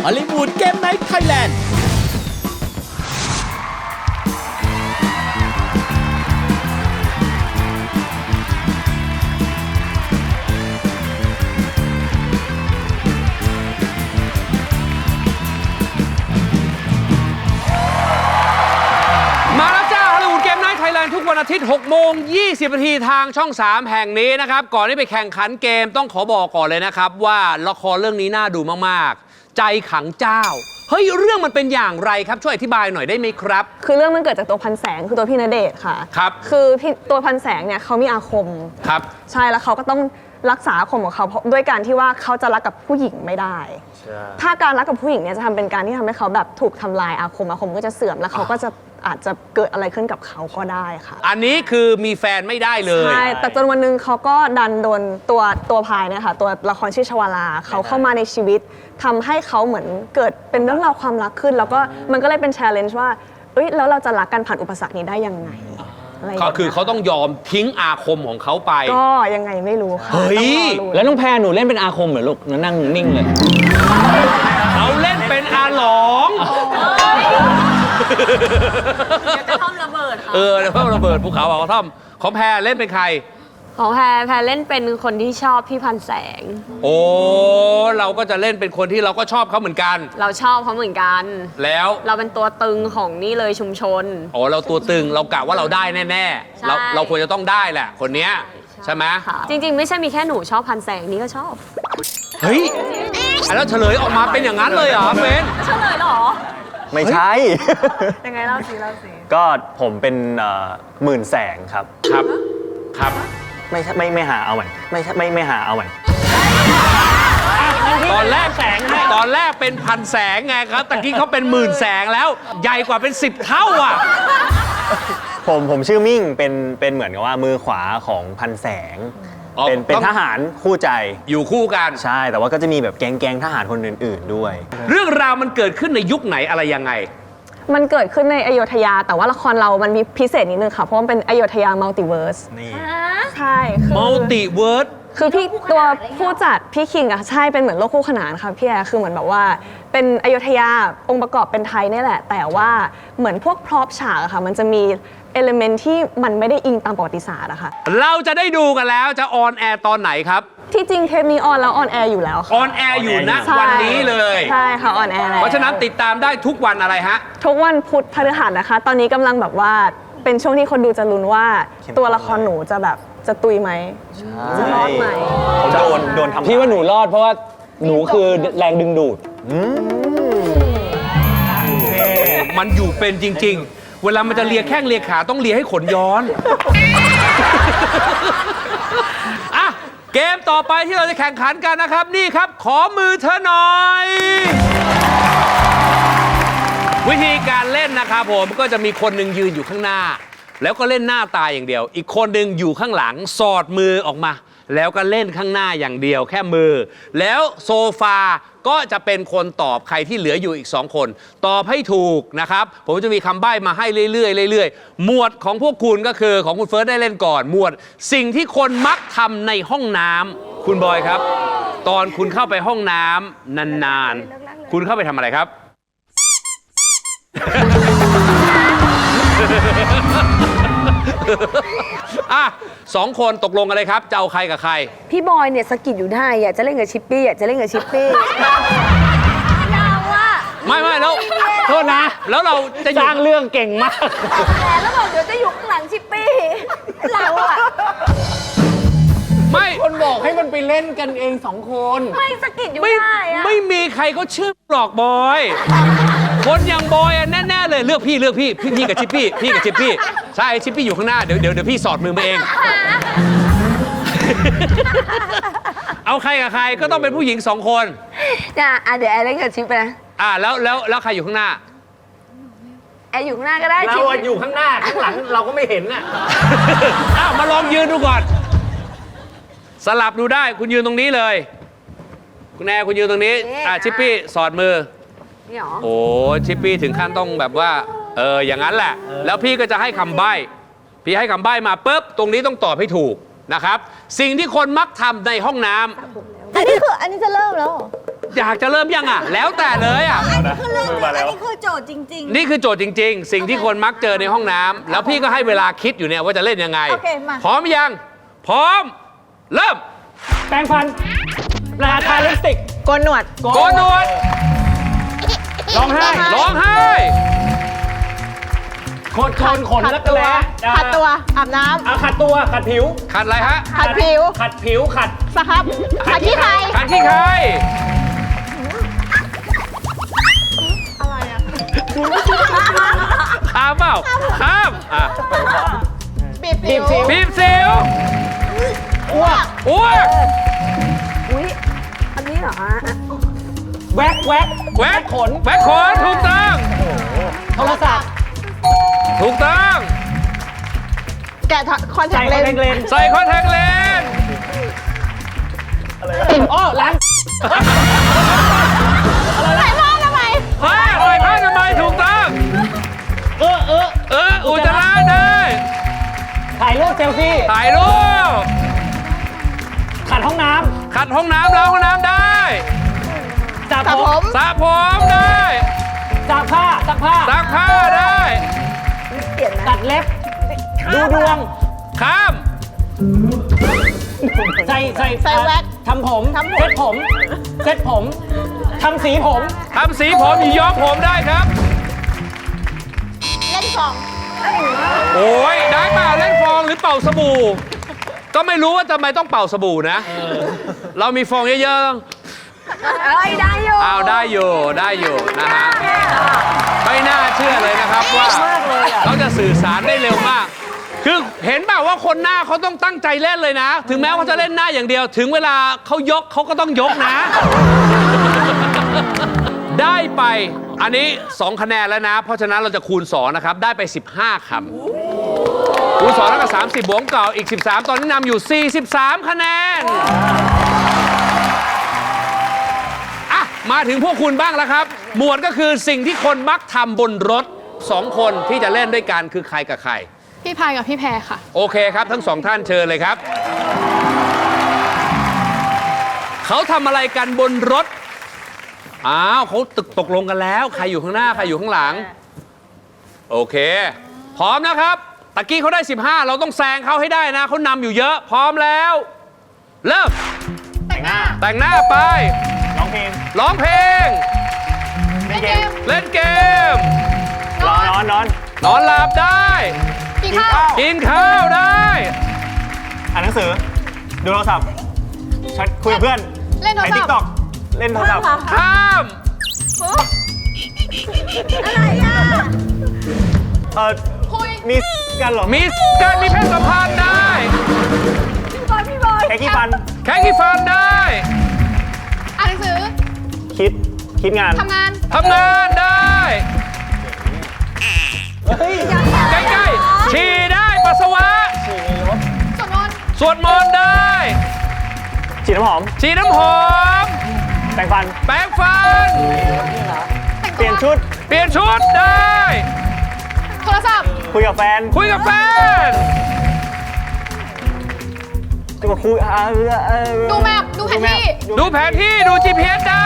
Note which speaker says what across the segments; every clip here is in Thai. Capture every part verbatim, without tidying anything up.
Speaker 1: ฮอลลีวูดเกมไนท์ไทยแลนด์
Speaker 2: ทุกวันอาทิตย์หกโมงยี่สิบนาทีทางช่องสามแห่งนี้นะครับก่อนที่ไปแข่งขันเกมต้องขอบอกก่อนเลยนะครับว่าละครเรื่องนี้น่าดูมากๆใจขังเจ้าเฮ้ยเรื่องมันเป็นอย่างไรครับช่วยอธิบายหน่อยได้ไหมครับ
Speaker 3: คือเรื่องมันเกิดจากตัวพันแสงคือตัวพี่ณเดชน์ค่ะ
Speaker 2: ครับ
Speaker 3: คือตัวพันแสงเนี่ยเขามีอาคม
Speaker 2: ครับ
Speaker 3: ใช่แล้วเขาก็ต้องรักษาอาคมของเขาด้วยการที่ว่าเขาจะรักกับผู้หญิงไม่ได้ถ้าการรักกับผู้หญิงเนี่ยจะทำเป็นการที่ทำให้เขาแบบถูกทำลายอาคมอาคมก็จะเสื่อมแล้วเขาก็จะอาจจะเกิดอะไรขึ้นกับเขาก็ได้ค่ะ
Speaker 2: อันนี้คือมีแฟนไม่ได้เลย
Speaker 3: ใช่แต่จนวันนึงเขาก็ดันโดนตัวตัวพายเนี่ยค่ะตัวละครชื่อชวาลาเขาเข้ามาในชีวิตทำให้เขาเหมือนเกิดเป็นเรื่องราวความรักขึ้นแล้วก็มันก็เลยเป็น challenge ว่าเอ้ยแล้วเราจะรักกันผ่านอุปสรรคนี้ได้ยังไง
Speaker 2: ก็คือเขาต้องยอมทิ้งอาคมของเขาไป
Speaker 3: ก็ยังไงไม่รู้ค่ะ
Speaker 2: เฮ้ย
Speaker 4: แล้วน้องแพรหนูเล่นเป็นอาคมเหรอลูกนั่งนิ่งเลย
Speaker 2: เขาเล่นเป็นอาหลง
Speaker 3: กระท่อมระเบิดค่ะ
Speaker 2: เออกระท่อมระเบิดภูเขากระท่อมของแพรเล่นเป็นใคร
Speaker 5: ของแพรแพรเล่นเป็นคนที่ชอบพี่พันแสง
Speaker 2: โอ้เราก็จะเล่นเป็นคนที่เราก็ชอบเขาเหมือนกัน
Speaker 5: เราชอบเขาเหมือนกัน
Speaker 2: แล้ว
Speaker 5: เราเป็นตัวตึงของนี่เลยชุมชน
Speaker 2: โอ้เราตัวตึงเรากะว่าเราได้แน่ๆเราเราควรจะต้องได้แหละคนเนี้ยใช่ไหม
Speaker 5: จริงๆไม่ใช่มีแค่หนูชอบพันแสงนี่ก็ชอบ
Speaker 2: เฮ้ยแล้วเฉลยออกมาเป็นอย่างนั้นเลยเหรอเฟน
Speaker 5: เฉลยเหรอ
Speaker 4: ไม่ใช่
Speaker 3: ยังไงเล่าสิเล่าสิ
Speaker 4: ก็ผมเป็นหมื่นแสงครับ
Speaker 2: ครับครับ
Speaker 4: ไม่ไม่ไม่หาเอาใหม่ไม่ไม่ไม่หาเอาใหม่
Speaker 2: ตอนแรกแสงตอนแรกเป็นพันแสงไงครับตะกี้เขาเป็นหมื่นแสงแล้วใหญ่กว่าเป็นสิบเท่าอ่ะ
Speaker 4: ผมผมชื่อมิ่งเป็นเป็นเหมือนกับว่ามือขวาของพันแสงเป็นเป็นทหารคู่ใจ
Speaker 2: อยู่คู่กัน
Speaker 4: ใช่แต่ว่าก็จะมีแบบแก๊งแก๊งทหารคนอื่นๆด้วย
Speaker 2: เรื่องราวมันเกิดขึ้นในยุคไหนอะไรยังไง
Speaker 3: มันเกิดขึ้นในอโยธยาแต่ว่าละครเรามันมีพิเศษนิดนึงค่ะเพราะมันเป็นอโยธยามัลติเวิร์ส
Speaker 4: นี่
Speaker 3: ใช่คือ
Speaker 2: มัลติเวิร์ส
Speaker 3: คือพี่ตัวผู้จัดพี่คิงอะใช่เป็นเหมือนโลกคู่ขนานค่ะพี่แอร์คือเหมือนแบบว่าเป็นอโยธยาองค์ประกอบเป็นไทยนี่แหละแต่ว่าเหมือนพวกพร็อพฉากอะค่ะมันจะมีเอลิเมนต์ที่มันไม่ได้อิงตามประวัติศาสตร์อะค่ะ
Speaker 2: เราจะได้ดูกันแล้วจะออนแอร์ตอนไหนครับ
Speaker 3: ที่จริงเทปนี้ออนแล้วออนแอร์อยู่แล้วค่ะ
Speaker 2: ออนแอร์อยู่นะวันนี้เลย
Speaker 3: ใช่ค่ะออนแอร์แล้ว
Speaker 2: เพราะฉะนั้นติดตามได้ทุกวันอะไรฮะ
Speaker 3: ทุกวันพุธพฤหัสนะคะตอนนี้กำลังแบบว่าเป็นช่วงที่คนดูจะลุ้นว่าตัวละครหนูจะแบบจะตุยไหมจะรอดไหม
Speaker 4: โดนโดนทำ
Speaker 6: พี่ว่าหนูรอดเพราะว่าหนูคือแรงดึงดูด
Speaker 2: มันอยู่เป็นจริงๆเวลามันจะเลียแข้งเลียขาต้องเลียให้ขนย้อนอ่ะเกมต่อไปที่เราจะแข่งขันกันนะครับนี่ครับขอมือเธอหน่อยวิธีการเล่นนะครับผมก็จะมีคนหนึ่งยืนอยู่ข้างหน้าแล้วก็เล่นหน้าตาอย่างเดียวอีกคนหนึ่งอยู่ข้างหลังสอดมือออกมาแล้วก็เล่นข้างหน้าอย่างเดียวแค่มือแล้วโซฟาก็จะเป็นคนตอบใครที่เหลืออยู่อีกสองคนตอบให้ถูกนะครับผมจะมีคำใบ้มาให้เรื่อยๆเรื่อยๆหมวดของพวกคุณก็คือของคุณเฟิร์สได้เล่นก่อนหมวดสิ่งที่คนมักทำในห้องน้ำคุณบอยครับตอนคุณเข้าไปห้องน้ำนานๆคุณเข้าไปทำอะไรครับอ่ะสองคนตกลงกันเลยครับจะเอาใครกับใคร
Speaker 5: พี่บอยเนี่ยสกิดอยู่ได้อยากจะเล่นกับชิปปี้อยากจะเล่นกับชิปปี้เราอะ
Speaker 2: ไม่ไม่แล้วโทษนะแล้วเราจะ
Speaker 6: สร้างเรื่องเก่งมาก
Speaker 5: แล้วบอกเดี๋ยวจะอยู่ข้างหลังชิปปี้เราอะ
Speaker 2: ไม่
Speaker 6: คนบอกให้มันไปเล่นกันเองสองคน
Speaker 5: ไม่สกิดอยู่ได้อะ
Speaker 2: ไม่มีใครเขาชื่อหลอกบอยคนอย่างบอยแน่ๆเลยเลือกพี่เลือกพี่พี่พี่กับชิปปี้พี่กับชิปปี้ใช่ชิปปี้อยู่ข้างหน้าเดี๋ยวเดี๋ยวเดี๋ยวพี่สอดมือมาเองเอาใครกับใครก็ต้องเป็นผู้หญิงสองคน
Speaker 5: น่ะเดี๋ยวแอร์เล่นกับชิปไปนะ
Speaker 2: อ่าแล้วแล้วแล้วใครอยู่ข้างหน้า
Speaker 5: แอร์อยู่ข้างหน้าก็ได้
Speaker 6: เราอยู่ข้างหน้าข้างหลังเราก็ไม่เห็นน่ะ
Speaker 2: อ้าวมาลองยืนดูก่อนสลับดูได้คุณยืนตรงนี้เลยคุณแอร์คุณยืนตรงนี้อ่าชิปปี้สอดมือโอ้ชิปปี้ถึงขั้นต้องแบบว่าเอออย่างนั้นแหละแล้วพี่ก็จะให้คำใบ้พี่ให้คำใบ้มาปุ๊บตรงนี้ต้องตอบให้ถูกนะครับสิ่งที่คนมักทำในห้องน้ำ
Speaker 5: อันนี้คืออันนี้จะเริ่มแล้ว
Speaker 2: อยากจะเริ่มยังอ่ะ แล้วแต่เลยอ่ะ
Speaker 7: อันนี้คือเรื่องจริงอันนี้คือโจทย์จริง
Speaker 2: นี่คือโจทย์จริง ๆ สิ่งที่คนมักเจอในห้องน้ำแล้วพี่ก็ให้เวลาคิดอยู่เนี่ยว่าจะเล่นยังไง
Speaker 7: โอเคมา
Speaker 2: พร้อมยัง พร้อม เริ่ม
Speaker 6: แปรงฟันปลาทาลิปสติก
Speaker 3: โกนหนวด
Speaker 2: โกนหนวด
Speaker 6: ร้องไห้
Speaker 2: ร้องไห้
Speaker 6: โคนโคนขนแล้วก็แล้
Speaker 3: ขัดตัว อาบน้
Speaker 6: เอาขัดตัว ขัดผิว
Speaker 2: ขัดอะไรฮะ
Speaker 3: ำขัดผิว
Speaker 6: ขัดผิว ขัด
Speaker 3: สครับขัดขี้ไคร
Speaker 2: ขัดขี้ใครข้ามเปล่าข้ามอ่ะ
Speaker 3: บีบสิว
Speaker 2: บีบสิว
Speaker 6: อ้วก
Speaker 2: อ้วก
Speaker 5: อุ้ยอันนี้เหรอฮะ
Speaker 6: แวกแวก
Speaker 2: แวก
Speaker 6: ขน
Speaker 2: แวกขนถูกต้อง
Speaker 6: โทรศัพท์
Speaker 2: ถูกต้อง
Speaker 3: แกะคอนแท
Speaker 6: ใส่
Speaker 3: ค
Speaker 6: ค
Speaker 3: เล
Speaker 6: อน
Speaker 3: น
Speaker 6: แทคเลนส์
Speaker 2: ใส่คอนแทคเลนส์
Speaker 6: อ้อล้าง
Speaker 3: ใส่ผ้าทำไม
Speaker 2: ผ้าใส่ผ้าทำไมยถูกต้อง
Speaker 6: เออเออ
Speaker 2: เออ อุจจาระได้
Speaker 6: ถ่ายรูปเซลฟี่
Speaker 2: ถ่ายรูป
Speaker 6: ขัดห้องน้
Speaker 2: ขัดห้องน้ำล้างห้องน้ำได้
Speaker 6: ำสระ
Speaker 3: สระ
Speaker 6: ผ
Speaker 3: ผม ม
Speaker 2: สระผมได้
Speaker 6: ซักผ้าซักผ้า
Speaker 2: ซักผ้าได้
Speaker 5: เปลี่ยนนะ
Speaker 6: ตัดเล็บ ดูดวง
Speaker 2: ข้าม
Speaker 6: ใส่ใส่
Speaker 3: ใส่แว็ก
Speaker 6: ทำผม
Speaker 3: ทำผม
Speaker 6: เซ็ตผมเซ็ตผมทำสีผม
Speaker 2: ทำสีผมย้อมผมได้ครับ
Speaker 3: เล่นสอง
Speaker 2: โอ้ยได้เปล่าเล่นฟองหรือเป่าสบู่ ก็ไม่รู้ว่าทำไมต้องเป่าสบู่นะ เรามีฟองเยอะ
Speaker 5: เอ้ยได้อยู่
Speaker 2: ๆอ้าวได้อยู่ได้อยู่นะฮะไม่น่าเชื่อเลยนะครับว่าเขาจะสื่อสารได้เร็วมาก คือเห็นเปล่าว่าคนหน้าเขาต้องตั้งใจเล่นเลยนะ ถึงแม้ว่าจะเล่นหน้าอย่างเดียว ถึงเวลาเขายกเขาก็ต้องยกนะ ได้ไปอันนี้สองคะแนนแล้วนะ เพราะฉะนั้นเราจะคูณสองนะครับ ได้ไปสิบห้าคำคูณสองแล้วก็สามสิบบวกเก่าอีกสิบสามตอนนี้นำอยู่สี่สิบสามคะแนนอ่ะมาถึงพวกคุณบ้างแล้วครับ หมวดก็คือสิ่งที่คนมักทำบนรถสองคนที่จะเล่นด้วยกันคือใครกับใคร
Speaker 3: พี่พายกับพี่แพรค่ะ
Speaker 2: โอเคครับ ทั้งสองท่านเชิญเลยครับ เขาทำอะไรกันบนรถ อ้าวเขาตึกตกลงกันแล้ว ใครอยู่ข้างหน้า ใครอยู่ข้างหลัง โอเค พร้อมนะครับ ตะกี้เขาได้ สิบห้า เราต้องแซงเขาให้ได้นะ เขานำอยู่เยอะ พร้อมแล้ว เริ่ม
Speaker 6: แต่งหน้า
Speaker 2: แต่งหน้าไป
Speaker 6: ร้องเพลง
Speaker 2: ร้องเพลง
Speaker 6: เล่นเกม
Speaker 2: เล่นเกม
Speaker 6: นอนนอนนอน
Speaker 2: นอนหลับได้
Speaker 6: กินข้าว
Speaker 2: กินข้าวได้
Speaker 6: อ่านหนังสือ ดูโทรศัพท์แชทคุยกับเพื่อน
Speaker 3: เล่นโทรศัพท์
Speaker 6: ไอติ๊กต็อกเล่นโทรศัพท์
Speaker 2: ข้าม
Speaker 7: อะไรอ่ะ
Speaker 6: เออมีกันเหรอ
Speaker 2: มีการมีเพศสัมพันธ์ได้
Speaker 7: พี่บอยพี่บอย
Speaker 6: แค่กี่ฟัน
Speaker 2: แค่กี่ฟันได้
Speaker 3: อ่านหนังสือ
Speaker 6: คิด คิดงาน
Speaker 3: ทำงาน
Speaker 2: ทำงานได้
Speaker 6: เฮ้ย
Speaker 2: ใกล้ๆฉี่ได้ปัสสาวะ
Speaker 3: สวดมนต์
Speaker 2: สวดมนต์ได้
Speaker 6: ฉีดน้ำหอม
Speaker 2: ฉีดน้ำหอม
Speaker 6: แต่งฟัน
Speaker 2: แปรงฟัน
Speaker 3: แต่ง
Speaker 6: เปลี่ยน
Speaker 3: ตัว
Speaker 6: ชุด
Speaker 2: เปลี่ยนชุดได้
Speaker 3: โทรศัพท์
Speaker 6: คุยกับแฟน
Speaker 2: คุยกับแฟน
Speaker 6: จะมาคุยอ่าเออเออ
Speaker 3: ดูแมพดูแผนที่
Speaker 2: ดูแผนที่ดู จี พี เอส ได้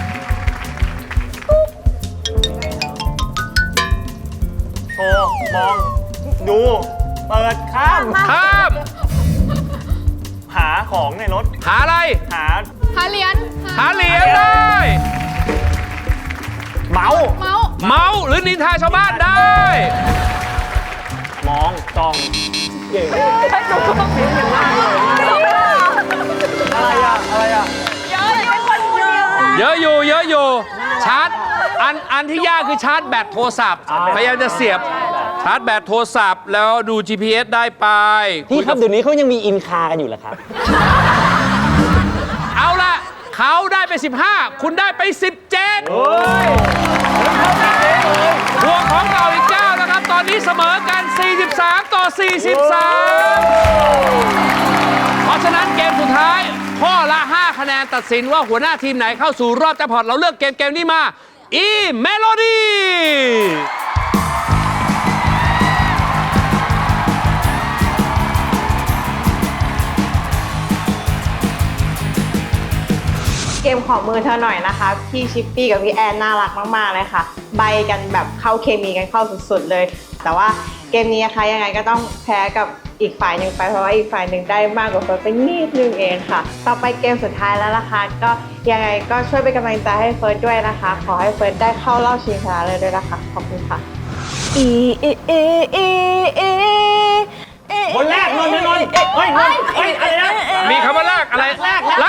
Speaker 6: โทรมอง ดู เปิด ข้าม
Speaker 2: ข้าม
Speaker 6: หาของในรถ
Speaker 2: หาอะไร
Speaker 6: หา
Speaker 3: หาเหรียญ
Speaker 2: หาเหรียญได้
Speaker 6: เมาส์
Speaker 3: เมาส์
Speaker 2: เมาส์หรือนินทาชาวบ้านได้
Speaker 6: มองจ้องเย่อะไรอะอะไรอะ
Speaker 2: เยอะอยู่เยอะอยู่ชาร์จอันอันที่ยากคือชาร์จแบตโทรศัพท์พยายามจะเสียบชาร์จแบตโทรศัพท์แล้วดู จี พี เอส ได้ไป
Speaker 6: พี่ครับเดี๋ยวนี้เขายังมีอินคากันอยู่เหรอครับ
Speaker 2: เอาละเขาได้ไป สิบห้า คุณได้ไป สิบเจ็ดบวกของเก่าอีกเก้านะครับ ตอนนี้เสมอกัน สี่สิบสาม ต่อ สี่สิบสาม เพราะฉะนั้นเกมสุดท้าย ข้อละ ห้า คะแนนตัดสินว่าหัวหน้าทีมไหนเข้าสู่รอบแจ็คพอตเราเลือกเกมเกมนี้มา อีเมโลดี้
Speaker 8: เกมขอมือเธอหน่อยนะคะ พี่ชิปปี้กับพี่แอนน่ารักมากๆเลยค่ะ ใบกันแบบเข้าเคมีกันเข้าสุดๆเลย แต่ว่าเกมนี้นะคะยังไงก็ต้องแพ้กับอีกฝ่ายหนึ่งไปเพราะว่าอีกฝ่ายหนึ่งได้มากกว่าเฟิร์สไปนิดนึงเองค่ะ ต่อไปเกมสุดท้ายแล้วนะคะ ก็ยังไงก็ช่วยเป็นกำลังใจให้เฟิร์สด้วยนะคะ ขอให้เฟิร์สได้เข้ารอบชิงชนะเลยด้วยนะคะขอบคุณค่ะ
Speaker 3: อีอีอีอีอี
Speaker 6: คนแรกนนท์นนท์เฮ้ยนนท์เฮ้ยอะไรนะ
Speaker 2: มีคำว่าลากอะไร
Speaker 6: ลากลาก
Speaker 2: ล